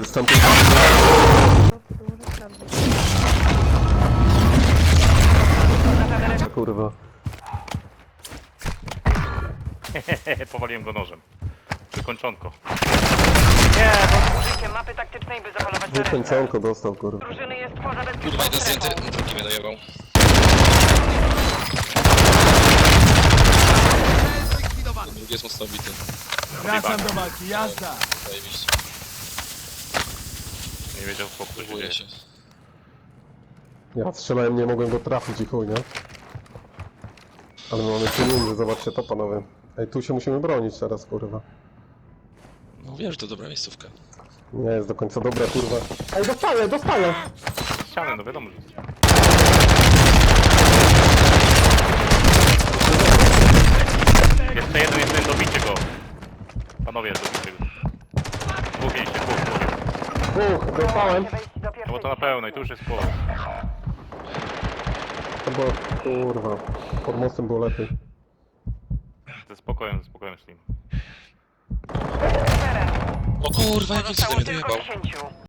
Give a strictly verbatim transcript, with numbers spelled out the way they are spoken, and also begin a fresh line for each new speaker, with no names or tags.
z tamtej... Kurwa.
Powaliłem go nożem. Wykończonko.
Nie, bo użyciem mapy taktycznej, by zapolować na resztę.
Wykończonko dostał, kurwa.
Drużyny jest poza bezpieczną
Kurwa, jeden
strefą.
zdjęty, drugi mnie dojebał. Ten drugi jest mocno obity.
Wracam do walki, jazda!
Zajebiście.
Nie wiedział chłop, co się dzieje.
Próbuję się.
Ja strzelałem, nie mogłem go trafić i chuj, nie? Ale my mamy pieniądze, zobaczcie to, panowie. Ej, tu się musimy bronić teraz, kurwa.
No wiem, że to dobra miejscówka.
Nie jest do końca dobra, kurwa. Ej, dostaję, dostaję!
Ścianę, no wiadomo, że ścianę. Jeszcze jeden, jeszcze jeden, dobicie go. Panowie, dobicie go. Dwóch mieliście, dwóch, dwóch.
Uch, dostałem!
Wejść do
No
pierwszej
bo to na pełnej, tu już jest po.
To było, kurwa, pod mostem było lepiej.
Ze spokojem, ze spokojem z nim.
O kurwa, jak
Zostało
mnie
tylko
dojebał.
dziesięciu.